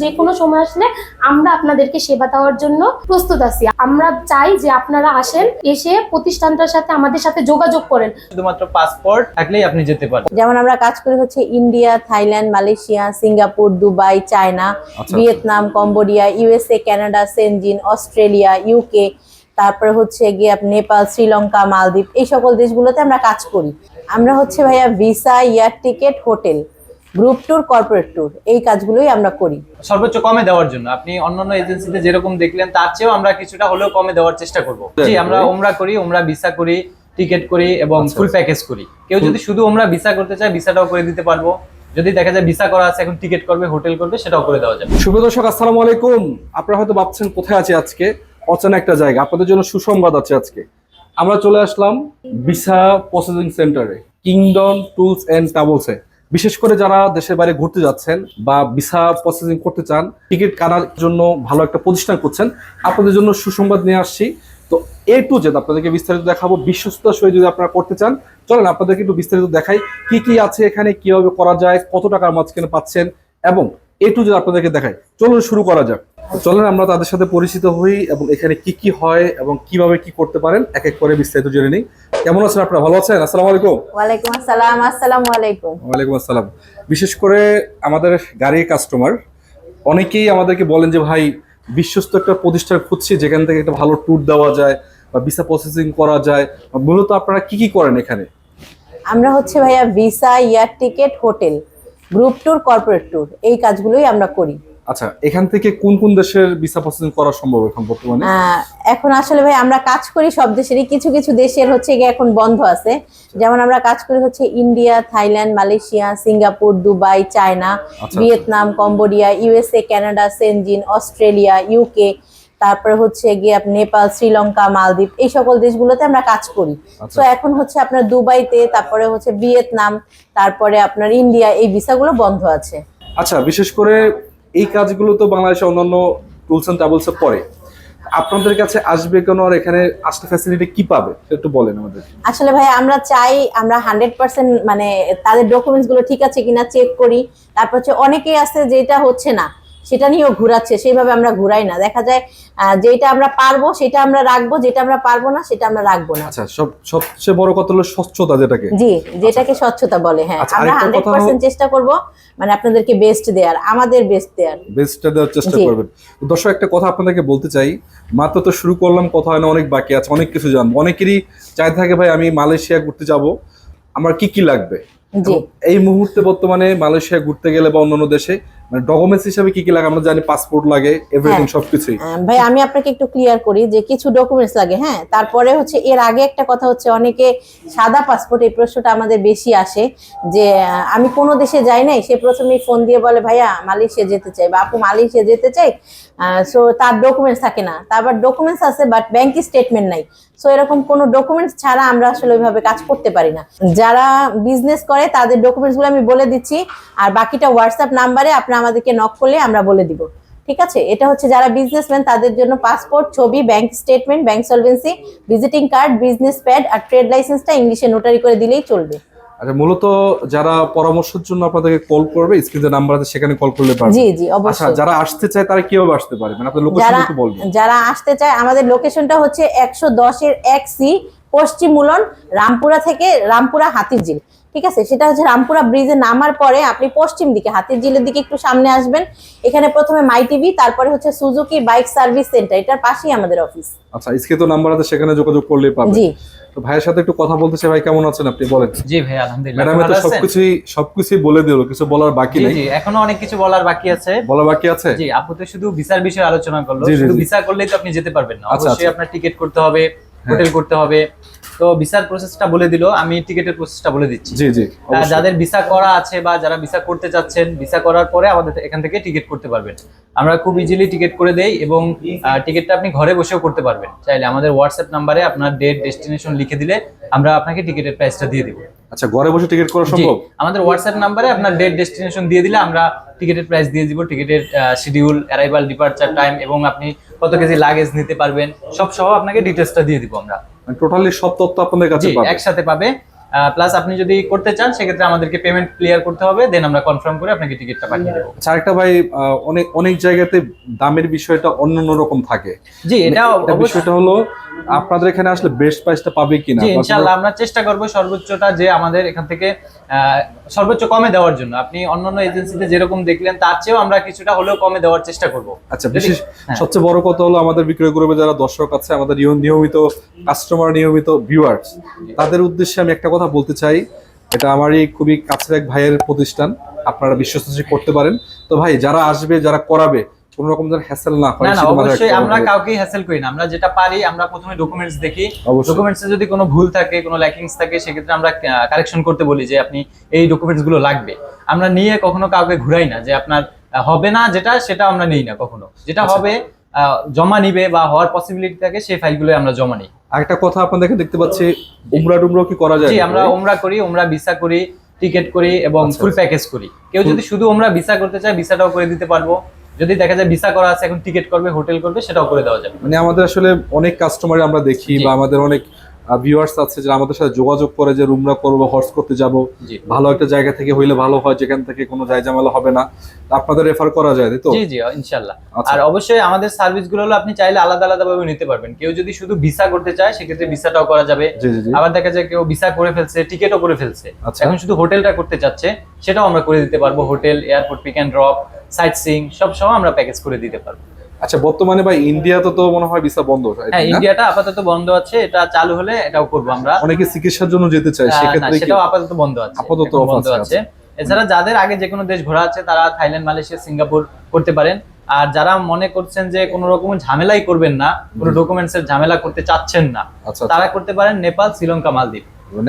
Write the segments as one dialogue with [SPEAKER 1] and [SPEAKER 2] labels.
[SPEAKER 1] যে কোনো সময় আসলে আমরা আপনাদেরকে সেবা দেওয়ার জন্য প্রস্তুত আছি। আমরা চাই যে আপনারা আসেন, এসে প্রতিষ্ঠানটার সাথে আমাদের সাথে যোগাযোগ করেন।
[SPEAKER 2] শুধুমাত্র পাসপোর্ট থাকলেই আপনি যেতে পারেন।
[SPEAKER 3] যেমন আমরা কাজ করি হচ্ছে India, Thailand, Malaysia, Singapore, Dubai, China, Vietnam, Cambodia, USA, Canada, Shenzhen, Australia, UK, তারপরে হচ্ছে গিয়ে নেপাল, শ্রীলঙ্কা, মালদ্বীপ, এই সকল দেশগুলোতে আমরা কাজ করি। আমরা হচ্ছে ভাইয়া visa, air ticket, hotel, group tour, corporate tour, এই কাজগুলোই আমরা করি
[SPEAKER 2] সর্বোচ্চ কমে দেওয়ার জন্য। আপনি অন্যান্য এজেন্সিতে যেরকম দেখলেন তার চেয়েও আমরা কিছুটা হলেও কমে দেওয়ার চেষ্টা করব। জি, আমরা ওমরা করি, ওমরা ভিসা করি, টিকেট করি এবং ফুল প্যাকেজ করি। কেউ যদি শুধু ওমরা ভিসা করতে চায় ভিসাটাও করে দিতে পারবো। যদি দেখা যায় ভিসা করা আছে, এখন টিকেট করবে, হোটেল করবে, সেটাও করে দেওয়া যাবে।
[SPEAKER 4] শুভ দর্শক, আসসালামু আলাইকুম। আপনারা হয়তো ভাবছেন কোথায় আছি আজকে, অচেনা একটা জায়গা। আপনাদের জন্য সুসংবাদ আছে। আজকে আমরা চলে আসলাম ভিসা প্রসেসিং সেন্টারে, কিংডম টুলস এন্ড ট্রাভেলসে। বিশেষ করে যারা দেশের বাইরে ঘুরতে যাচ্ছেন বা ভিসা প্রসেসিং করতে চান, টিকিট কাটার জন্য ভালো একটা প্রতিষ্ঠান করছেন, আপনাদের জন্য সুসংবাদ নিয়ে আসছি। তো A to Z আপনাদেরকে বিস্তারিত দেখাবো। বিশ্বস্ততার সহিত যদি আপনারা করতে চান, চলেন আপনাদেরকে একটু বিস্তারিত দেখাই কি কি আছে এখানে, কিভাবে করা যায়, কত টাকার মাঝখানে পাচ্ছেন, এবং A to Z আপনাদেরকে দেখাই। চলুন শুরু করা যাক। চলেন আমরা তাদের সাথে পরিচিত হই এবং এখানে কি কি হয় এবং কিভাবে কি করতে পারেন এক এক করে বিস্তারিত জেনে নিই। কেমন আছেন আপনারা? ভালো আছেন? আসসালামু আলাইকুম।
[SPEAKER 3] ওয়ালাইকুম আসসালাম। আসসালামু আলাইকুম।
[SPEAKER 4] ওয়ালাইকুম আসসালাম। বিশেষ করে আমাদের গাড়ির কাস্টমার অনেকেই আমাদেরকে বলেন যে ভাই, বিশ্বস্ত একটা প্রতিষ্ঠান খুঁজছি যেখান থেকে একটা ভালো ট্যুর দেওয়া যায় বা ভিসা প্রসেসিং করা যায়। মূলত আপনারা কি কি করেন এখানে?
[SPEAKER 3] আমরা হচ্ছে ভাইয়া visa, air ticket, hotel, group tour, corporate tour, এই কাজগুলোই আমরা করি।
[SPEAKER 4] আচ্ছা, এখান থেকে কোন কোন দেশের ভিসা প্রসেসিং করা সম্ভব এখন বর্তমানে?
[SPEAKER 3] এখন আসলে ভাই আমরা কাজ করি সব দেশেরই, কিছু কিছু দেশের হচ্ছে গিয়ে এখন বন্ধ আছে। যেমন আমরা কাজ করি হচ্ছে India, Thailand, Malaysia, Singapore, Dubai, China, Vietnam, Cambodia, USA, Canada, Shenzhen, Australia, UK, তারপরে হচ্ছে গিয়ে নেপাল, শ্রীলঙ্কা, মালদ্বীপ, এই সকল দেশগুলোতে আমরা কাজ করি। তো এখন হচ্ছে আপনার দুবাইতে, তারপরে হচ্ছে ভিয়েতনাম, তারপরে আপনার ইন্ডিয়া, এই ভিসাগুলো বন্ধ আছে।
[SPEAKER 4] আচ্ছা, বিশেষ করে এই কাজগুলো তো বাংলাদেশে অন্যান্য টুলস এন্ড ট্রাভেলসে পড়ে। আপনাদের কাছে আসবে কেন আর এখানে আসলে ফ্যাসিলিটি কি পাবে একটু বলেন আমাদের।
[SPEAKER 3] আসলে ভাই আমরা চাই আমরা 100% মানে তাদের ডকুমেন্টস গুলো ঠিক আছে কিনা চেক করি। তারপর হচ্ছে অনেকেই আছে যেটা হচ্ছে না সেটা নিয়েও ঘুরাচ্ছে, সেইভাবে আমরা ঘুরাই না। দেখা যায় যেটা আমরা পারবো সেটা আমরা রাখবো, যেটা আমরা পারবো না সেটা আমরা রাখবো না।
[SPEAKER 4] আচ্ছা, সবচেয়ে বড় কথা হলো স্বচ্ছতা, যেটাকে
[SPEAKER 3] যেটাকে স্বচ্ছতা বলে। হ্যাঁ, আমরা 100% চেষ্টা করব মানে আপনাদেরকে বেস্ট দেওয়ার, আমাদের বেস্টটা দেওয়ার চেষ্টা করবেন।
[SPEAKER 4] দর্শক, একটা কথা আপনাদেরকে বলতে চাই, মাত্র তো শুরু করলাম, কথা হয় না, অনেক বাকি আছে, অনেক কিছু জানবো। অনেকেরই চাই থাকে ভাই আমি মালয়েশিয়া ঘুরতে যাব, আমার কি কি লাগবে। এই মুহূর্তে বর্তমানে মালয়েশিয়া ঘুরতে গেলে বা অন্যান্য দেশে মানে ডকুমেন্টস হিসেবে কি কি লাগে? আমরা জানি পাসপোর্ট লাগে, এভরিথিং, সবকিছুই।
[SPEAKER 3] ভাই আমি আপনাকে একটু ক্লিয়ার করি যে কিছু ডকুমেন্টস লাগে। হ্যাঁ, তারপরে হচ্ছে এর আগে একটা কথা হচ্ছে অনেকে সাদা পাসপোর্ট, এই প্রশ্নটা আমাদের বেশি আসে যে আমি কোনো দেশে যাই নাই, সে প্রথমেই ফোন দিয়ে বলে ভাইয়া মালয়েশিয়া যেতে চাই বা আপু মালয়েশিয়া যেতে চাই, সো তার ডকুমেন্টস থাকে না। তারপর ডকুমেন্টস আছে বাট ব্যাংক স্টেটমেন্ট নাই। সো এরকম কোনো ডকুমেন্টস ছাড়া আমরা আসলে ওইভাবে কাজ করতে পারি না। যারা বিজনেস করে তাদের ডকুমেন্টসগুলো আমি বলে দিচ্ছি, আর বাকিটা হোয়াটসঅ্যাপ নাম্বারে আপনি আমাদেরকে নক করলে আমরা বলে দিব। ঠিক আছে? এটা হচ্ছে যারা বিজনেসম্যান তাদের জন্য পাসপোর্ট, ছবি, bank statement, bank solvency, visiting card, business pad আর ট্রেড লাইসেন্সটা ইংলিশে নোটারি করে দিলেই চলবে।
[SPEAKER 4] আচ্ছা, মূলত যারা পরামর্শের জন্য আপনাদেরকে কল করবে, স্ক্রিনে নাম্বার আছে সেখানে কল করলে পারবে।
[SPEAKER 3] জি অবশ্যই।
[SPEAKER 4] আচ্ছা, যারা আসতে চায় তারা কিভাবে আসতে পারে, মানে আপনাদের লোকেশন একটু বলবেন।
[SPEAKER 3] যারা আসতে চায় আমাদের লোকেশনটা হচ্ছে 110 এর 1C, পশ্চিম মুলন, রামপুরা থেকে রামপুরা হাতিরঝিল। ঠিক আছে? সেটা হচ্ছে রামপুরা ব্রিজে নামার পরে আপনি পশ্চিম দিকে হাতিরঝিলের দিকে একটু সামনে আসবেন। এখানে প্রথমে মাই টিভি, তারপরে হচ্ছে সুজুকি বাইক সার্ভিস সেন্টার, এটার পাশেই আমাদের অফিস।
[SPEAKER 4] আচ্ছা, স্ক্রিনে তো নাম্বার আছে, সেখানে যোগাযোগ করলেই পাবেন।
[SPEAKER 3] জি।
[SPEAKER 4] তো ভাইয়ের সাথে একটু কথা বলতে চাই। ভাই কেমন আছেন আপনি? বলেন।
[SPEAKER 2] জি ভাই, আলহামদুলিল্লাহ।
[SPEAKER 4] ম্যাডাম তো সবকিছুই বলে দিল, কিছু বলার বাকি নেই?
[SPEAKER 2] জি, এখনো অনেক কিছু বলার বাকি আছে।
[SPEAKER 4] জি,
[SPEAKER 2] আপু তো শুধু ভিসার বিষয়ে আলোচনা করলো। শুধু ভিসা করলেই তো আপনি যেতে পারবেন না, অবশ্যই আপনার টিকিট করতে হবে, হোটেল করতে হবে। তো ভিসার প্রসেসটা বলে দিল, আমি টিকিটের প্রসেসটা বলে দিচ্ছি।
[SPEAKER 4] জি,
[SPEAKER 2] যাদের ভিসা করা আছে বা যারা ভিসা করতে চাচ্ছেন, ভিসা করার পরে আমাদের এখান থেকে টিকিট করতে পারবেন। আমরা খুব ইজিলি টিকিট করে দেই এবং টিকিটটা আপনি ঘরে বসেও করতে পারবেন। চাইলে আমাদের হোয়াটসঅ্যাপ নাম্বারে আপনার ডেট, ডেস্টিনেশন লিখে দিলে আমরা আপনাকে টিকিটের প্রাইসটা দিয়ে দিব।
[SPEAKER 4] আচ্ছা, ঘরে বসে টিকিট করা সম্ভব?
[SPEAKER 2] আমাদের হোয়াটসঅ্যাপ নাম্বারে আপনার ডেট, ডেস্টিনেশন দিয়ে দিলে আমরা টিকিটের প্রাইস দিয়ে দিব, টিকিটের শিডিউল, অ্যারাইভাল, ডিপার্চার টাইম এবং আপনি কত কেজি লাগেজ নিতে পারবেন সব সহ আপনাকে ডিটেইলসটা দিয়ে দিব আমরা।
[SPEAKER 4] টোটালি সব তথ্য আপনাদের কাছে পাবে,
[SPEAKER 2] একসাথে পাবে। প্লাস আপনি যদি করতে চান সেক্ষেত্রে আমাদেরকে পেমেন্ট ক্লিয়ার করতে হবে, দেন আমরা কনফার্ম করে আপনাকে টিকিটটা পাঠিয়ে দেবো।
[SPEAKER 4] আচ্ছা, আরেকটা ভাই, অনেক অনেক জায়গাতে দামের বিষয়টা অন্য রকম থাকে।
[SPEAKER 2] জি, এটা
[SPEAKER 4] বিষয়টা হলো আপনাদের এখানে আসলে বেস্ট প্রাইসটা পাবে কিনা?
[SPEAKER 2] জি, ইনশাআল্লাহ আমরা চেষ্টা করব সর্বোচ্চটা যে আমাদের এখান থেকে সর্বোচ্চ কমে দেওয়ার জন্য। আপনি অন্যান্য এজেন্সিতে যেরকম দেখলেন তার চেয়েও আমরা কিছুটা হলেও কমে দেওয়ার চেষ্টা করব।
[SPEAKER 4] আচ্ছা, বিশেষ সবচেয়ে বড় কথা হলো আমাদের বিক্রয় গ্রুপে যারা দর্শক আছে, আমাদের নিয়মিত কাস্টমার, নিয়মিত ভিউয়ার্স, তাদের উদ্দেশ্যে আমি একটা কথা বলতে চাই। এটা আমারই খুবই কাছের এক ভাইয়ের প্রতিষ্ঠান, আপনারা বিশ্বস্ত করতে পারেন। তো ভাই, যারা আসবে, যারা করাবে, কোন রকম যেন হ্যাসেল না হয়।
[SPEAKER 2] না, অবশ্যই আমরা কাউকেই হ্যাসেল করি না। আমরা যেটা পারি, আমরা প্রথমে ডকুমেন্টস দেখি, ডকুমেন্টসে যদি কোনো ভুল থাকে, কোনো ল্যাকিংস থাকে, সেক্ষেত্রে আমরা কারেকশন করতে বলি যে আপনি এই ডকুমেন্টস গুলো লাগবে। আমরা নিয়ে কখনো কাউকে ঘুরাই না যে আপনার হবে না যেটা, সেটা আমরা নেই না কখনো। যেটা হবে জমা নিবে বা হওয়ার পসিবিলিটি থাকে, সেই ফাইলগুলো আমরা জমা নিই।
[SPEAKER 4] আরেকটা কথা আপনাদেরকে দেখতে পাচ্ছি, উমরা কি করা যায়?
[SPEAKER 2] জি, আমরা উমরা করি, উমরা ভিসা করি, টিকেট করি এবং ফুল প্যাকেজ করি। কেউ যদি শুধু উমরা ভিসা করতে চায়, ভিসাটাও করে দিতে পারবো। যদি দেখা যায় ভিসা করা আছে, এখন টিকেট করবে, হোটেল করবে, সেটাও করে দেওয়া যাবে।
[SPEAKER 4] মানে আমাদের আসলে অনেক কাস্টমার আমরা দেখি, বা আমাদের অনেক ভিউয়ার্স আছে যারা আমাদের সাথে যোগাযোগ করে যে রুমরা করবো, হর্স করতে যাব, ভালো একটা জায়গা থেকে হইলে ভালো হয়, যেখান থেকে কোনো জায়জামেলা হবে না, আপনাদের রেফার করা যায়, তাই তো?
[SPEAKER 2] জি জি, ইনশাআল্লাহ। আর অবশ্যই আমাদের সার্ভিস গুলো হলো আপনি চাইলে আলাদা আলাদা ভাবে নিতে পারবেন। কেউ যদি শুধু ভিসা করতে চায়, সেক্ষেত্রে ভিসাটাও করা যাবে। আবার দেখা যায় কেউ ভিসা করে ফেলছে, টিকেটও করে ফেলছে, এখন শুধু হোটেলটা করতে চাচ্ছে, সেটাও আমরা করে দিতে পারবো। Hotel, airport pick and drop, sightseeing সব সময় আমরা প্যাকেজ করে দিতে পারবো।
[SPEAKER 4] আচ্ছা, বর্তমানে ভাই ইন্ডিয়াতে তো মনে হয় ভিসা বন্ধ।
[SPEAKER 2] হ্যাঁ, ইন্ডিয়াটা আপাতত বন্ধ আছে, এটা চালু হলে এটাও করব আমরা।
[SPEAKER 4] অনেকে চিকিৎসার জন্য যেতে চায়, সেক্ষেত্রে
[SPEAKER 2] সেটাও আপাতত বন্ধ আছে।
[SPEAKER 4] আপাতত
[SPEAKER 2] বন্ধ আছে। এছাড়া যাদের আগে যে কোনো দেশ ঘোরা আছে, তারা থাইল্যান্ড, মালয়েশিয়া, সিঙ্গাপুর করতে পারেন। আর যারা মনে করছেন যে কোনো রকম ঝামেলাই করবেন না, কোনো ডকুমেন্টস এর ঝামেলা করতে চাচ্ছেন না, তারা করতে পারেন নেপাল, শ্রীলঙ্কা, মালদ্বীপ।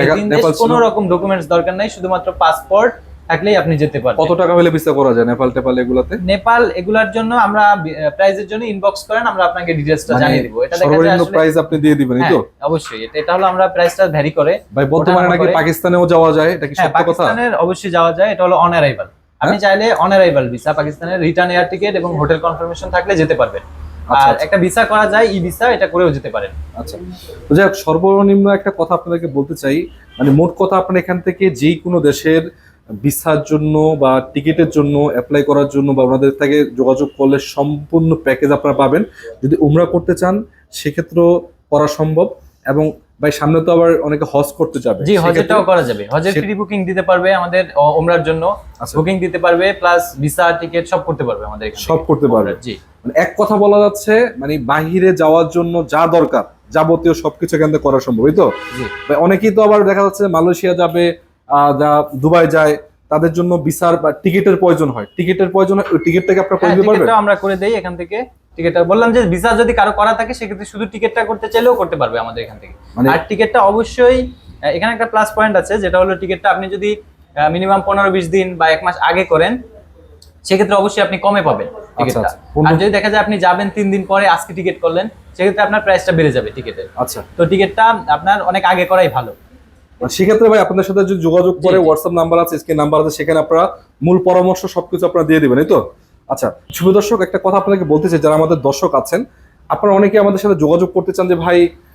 [SPEAKER 2] কোনো রকম ডকুমেন্টস দরকার নাই, শুধুমাত্র পাসপোর্ট থাকলেই আপনি যেতে পারবেন।
[SPEAKER 4] কত টাকা হলে ভিসা করা যায় নেপাল টেপাল এগুলাতে?
[SPEAKER 2] নেপাল এগুলার জন্য আমরা প্রাইসের জন্য ইনবক্স করেন, আমরা আপনাকে ডিটেইলসটা জানিয়ে দিব। এটা দেখা যায়
[SPEAKER 4] সর্বনিম্ন প্রাইস আপনি দিয়ে দিবেন, এই তো?
[SPEAKER 2] অবশ্যই, এটা হলো আমরা প্রাইসটা ভ্যারি করে।
[SPEAKER 4] ভাই, বর্তমানে নাকি পাকিস্তানেও যাওয়া যায়, এটা কি সত্য কথা?
[SPEAKER 2] পাকিস্তানের অবশ্যই যাওয়া যায়, এটা হলো অন অ্যারাইভাল। আপনি চাইলে অন অ্যারাইভাল ভিসা, পাকিস্তানের রিটার্ন এয়ার টিকেট এবং হোটেল কনফার্মেশন থাকলে যেতে পারবেন। আর একটা ভিসা করা যায়, ই ভিসা, এটা করেও যেতে পারেন।
[SPEAKER 4] আচ্ছা, তো যাই হোক, সর্বনিম্ন একটা কথা আপনাদেরকে বলতে চাই, মানে মোট কথা, আপনি এখান থেকে যেই কোনো দেশের ভিসার জন্য বা টিকিটের জন্য অ্যাপ্লাই করার জন্য বা ওনাদের থেকে যোগাযোগ করলে সম্পূর্ণ প্যাকেজ আপনারা পাবেন। যদি উমরা করতে চান, সেক্ষেত্রেও করা সম্ভব। এবং ভাই, সামনে তো আবার অনেকে হজ করতে যাবে।
[SPEAKER 2] জি, হজেরটাও করা যাবে। হজের প্রি বুকিং দিতে পারবে আমাদের, উমরার জন্য বুকিং দিতে পারবে, প্লাস ভিসা, টিকেট সব করতে পারবে আমাদের এখানে।
[SPEAKER 4] সব করতে পারবে।
[SPEAKER 2] জি,
[SPEAKER 4] মানে এক কথা বলা যাচ্ছে, মানে বাহিরে যাওয়ার জন্য যা দরকার যাবতীয় সবকিছু এখান থেকে করা সম্ভব, এই তো? অনেকেই তো আবার দেখা যাচ্ছে মালয়েশিয়া যাবে, যা দুবাই যায়, তাদের জন্য ভিসার বা টিকিটের প্রয়োজন হয়। ওই টিকিটটাকে আপনারা করে দিতে পারবেন?
[SPEAKER 2] আমরা করে দেই এখান থেকে। টিকিটটা বললাম যে ভিসা যদি কারো করা থাকে, সেক্ষেত্রে শুধু টিকিটটা করতে চাইলেও করতে পারবে আমাদের এখান থেকে। আর টিকিটটা অবশ্যই, এখানে একটা প্লাস পয়েন্ট আছে, যেটা হলো টিকিটটা আপনি যদি মিনিমাম 15-20 দিন বা 1 মাস আগে করেন, সেক্ষেত্রে অবশ্যই আপনি কমে পাবেন টিকিটটা। আর যদি দেখা যায় আপনি যাবেন 3 দিন পরে, আজকে টিকিট করলেন, সেক্ষেত্রে আপনার প্রাইসটা বেড়ে যাবে টিকিটের।
[SPEAKER 4] আচ্ছা,
[SPEAKER 2] তো টিকিটটা আপনার অনেক আগে করাই ভালো।
[SPEAKER 4] সেক্ষেত্রে ভাই, আপনাদের সাথে যদি যোগাযোগ করে, হোয়াটসঅ্যাপ নাম্বার আছে, স্ক্রিন নাম্বার আছে, সেখানে আপনারা মূল পরামর্শ সবকিছু আপনারা দিয়ে দিবেন, এই তো? আচ্ছা, শুভ দর্শক, একটা কথা আপনাকে বলতে চাই, যারা আমাদের দর্শক আছেন, আপনারা অনেকে আমাদের সাথে যোগাযোগ করতে চান যে ভাই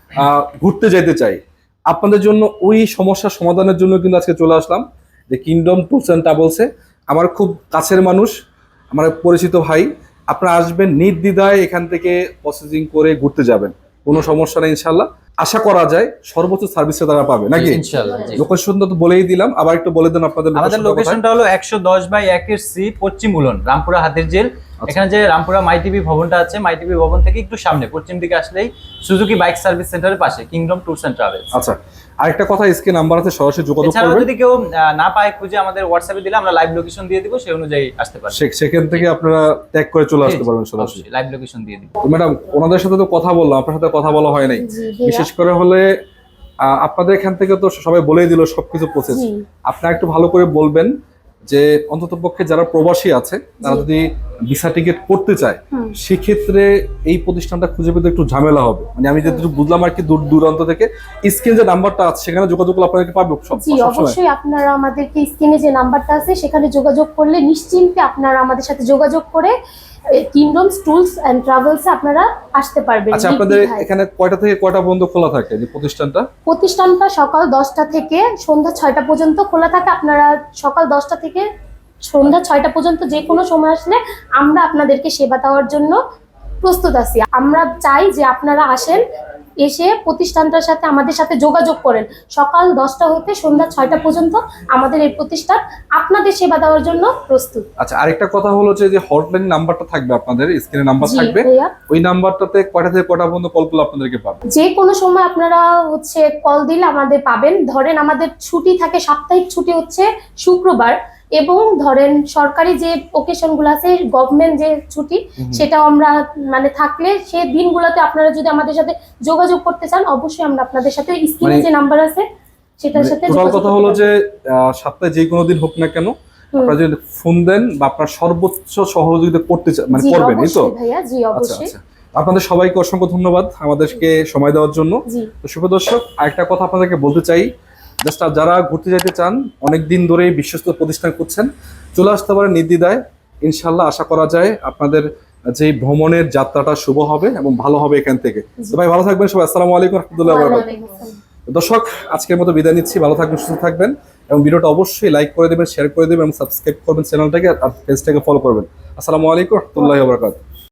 [SPEAKER 4] ঘুরতে যেতে চাই, আপনাদের জন্য ওই সমস্যার সমাধানের জন্য কিন্তু আজকে চলে আসলাম যে কিংডম ট্যুরস এন্ড ট্রাভেলসে। আমার খুব কাছের মানুষ, আমার পরিচিত ভাই, আপনারা আসবেন নির্দ্বিধায়, এখান থেকে প্রসেসিং করে ঘুরতে যাবেন, কোনো সমস্যা নেই ইনশাআল্লাহ। আশা করা যায় সর্বোচ্চ সার্ভিসটা তারা পাবে, নাকি?
[SPEAKER 2] ইনশাআল্লাহ।
[SPEAKER 4] লোকেশনটা তো বলেই দিলাম, আবার একটু বলে দেন আপনাদের।
[SPEAKER 2] আমাদের লোকেশনটা হলো 110/1 পশ্চিম উলন, রামপুরা হাতির জেল। এখানে যে রামপুরা মাই টিভি ভবনটা আছে, মাই টিভি ভবন থেকে একটু সামনে পশ্চিম দিকে আসলেই সুজুকি বাইক সার্ভিস সেন্টারের পাশে কিংডম ট্যুরস এন্ড ট্রাভেলস।
[SPEAKER 4] আচ্ছা, আরেকটা কথা, স্ক্রিন নাম্বার আছে, সরাসরি যোগাযোগ করবেন।
[SPEAKER 2] যদি কেউ না পায় খুঁজে, আমাদের হোয়াটসঅ্যাপে দিলে আমরা লাইভ লোকেশন দিয়ে দিব, সেই অনুযায়ী আসতে পারবেন।
[SPEAKER 4] সেখান থেকে আপনারা ট্যাগ করে চলে আসতে পারবেন সরাসরি,
[SPEAKER 2] লাইভ লোকেশন দিয়ে দিব।
[SPEAKER 4] ম্যাডাম, ওনাদের সাথে তো কথা বললাম, আপনার সাথে কথা বলা হয় নাই। বিশেষ করে হলে আপনাদের এখান থেকে তো সবাই বলেই দিল সবকিছু প্রসেস। আপনারা একটু ভালো করে বলবেন যে অন্ততপক্ষে যারা প্রবাসী আছে, তারা যদি ভিসা টিকিট করতে চায়, সেক্ষেত্রে এই প্রতিষ্ঠানটা খুঁজে পেতে একটু ঝামেলা হবে। মানে আমি যেটুকু বুঝলাম আর কি, দূর দূরান্ত থেকে স্ক্রিন যে নাম্বারটা আছে, সেখানে যোগাযোগ করলে আপনাদেরকে পাবে।
[SPEAKER 1] জি, অবশ্যই আপনারা আমাদেরকে স্ক্রিনে যে নাম্বারটা আছে, সেখানে যোগাযোগ করলে নিশ্চিন্তে আপনারা আমাদের সাথে যোগাযোগ করে কিংডমস টুলস এন্ড ট্রাভেলসে আপনারা আসতে পারবেন।
[SPEAKER 4] আচ্ছা, আপনাদের
[SPEAKER 1] নির্দ্বিধায়।
[SPEAKER 4] এখানে কয়টা থেকে কয়টা পর্যন্ত খোলা থাকে যে প্রতিষ্ঠানটা?
[SPEAKER 1] প্রতিষ্ঠানটা সকাল 10টা থেকে সন্ধ্যা 6টা পর্যন্ত খোলা থাকে। আপনারা সকাল 10টা থেকে সন্ধ্যা 6টা পর্যন্ত যে কোনো সময় আসলে আমরা আপনাদেরকে সেবা দেওয়ার জন্য প্রস্তুত আছি। আমরা চাই যে আপনারা আসেন, এসে প্রতিষ্ঠানটার সাথে আমাদের সাথে যোগাযোগ করেন। সকাল 10টা হতে সন্ধ্যা 6টা পর্যন্ত আমাদের এই প্রতিষ্ঠান আপনাদের সেবা দেওয়ার জন্য প্রস্তুত।
[SPEAKER 4] আচ্ছা, আরেকটা কথা হলো যে হটলাইন নাম্বারটা থাকবে আপনাদের স্ক্রিনে, নাম্বার
[SPEAKER 1] জি
[SPEAKER 4] থাকবে,
[SPEAKER 1] ভাইয়া,
[SPEAKER 4] ওই নাম্বারটাতে কয়টা থেকে কয়টা পর্যন্ত কলগুলো আপনাদেরকে পাবে?
[SPEAKER 1] যে কোনো সময় আপনারা কল দিলে আমাদের পাবেন। ধরেন আমাদের ছুটি থাকে, সাপ্তাহিক ছুটি হচ্ছে শুক্রবার, এবং ধরেন সরকারি যে ওকেশন গুলো আছে, গভর্নমেন্ট যে ছুটি, সেটাও আমরা মানে থাকলে সে দিনগুলোতে আপনারা যদি আমাদের সাথে যোগাযোগ করতে চান, অবশ্যই আমরা আপনাদের সাথে স্ক্রিনে যে নাম্বার আছে সেটার সাথে
[SPEAKER 4] টোটাল
[SPEAKER 1] যোগাযোগ
[SPEAKER 4] কথা
[SPEAKER 1] করতে
[SPEAKER 4] হলো
[SPEAKER 1] পারবেন।
[SPEAKER 4] যে সপ্তাহে যে কোনো দিন হোক না কেন, আপনারা যদি ফোন দেন বা আপনার সর্বোচ্চ সহযোগিতা করতে মানে
[SPEAKER 1] জি
[SPEAKER 4] করবেন, এই তো?
[SPEAKER 1] অবশ্যই ভাইয়া, জি
[SPEAKER 4] আচ্ছা
[SPEAKER 1] অবশ্যই।
[SPEAKER 4] আচ্ছা, আপনাদের সবাইকে অসংখ্য ধন্যবাদ আমাদেরকে সময় দেওয়ার জন্য।
[SPEAKER 1] জি
[SPEAKER 4] তো শুভ দর্শক, আরেকটা কথা আপনাদেরকে বলতে চাই, জাস্ট যারা ঘুরতে যেতে চান, অনেক দিন ধরেই বিশ্বস্ত প্রতিষ্ঠান করছেন, চলে আসতে পারেন নির্দ্বিধায়। ইনশাল্লাহ আশা করা যায় আপনাদের যে ভ্রমণের যাত্রাটা শুভ হবে এবং ভালো হবে এখান থেকে। তো ভাই ভালো থাকবেন সবাই, আসসালামু আলাইকুম রহমতুল্লাহ।
[SPEAKER 1] ওয়ালাইকুম আসসালাম।
[SPEAKER 4] দর্শক, আজকের মতো বিদায় নিচ্ছি, ভালো থাকবেন, সুস্থ থাকবেন, এবং ভিডিওটা অবশ্যই লাইক করে দেবেন, শেয়ার করে দেবেন এবং সাবস্ক্রাইব করবেন চ্যানেলটাকে, আর পেজটাকে ফলো করবেন। আসসালামু আলাইকুম রহমতুল্লাহি ওয়া বারাকাতুহু।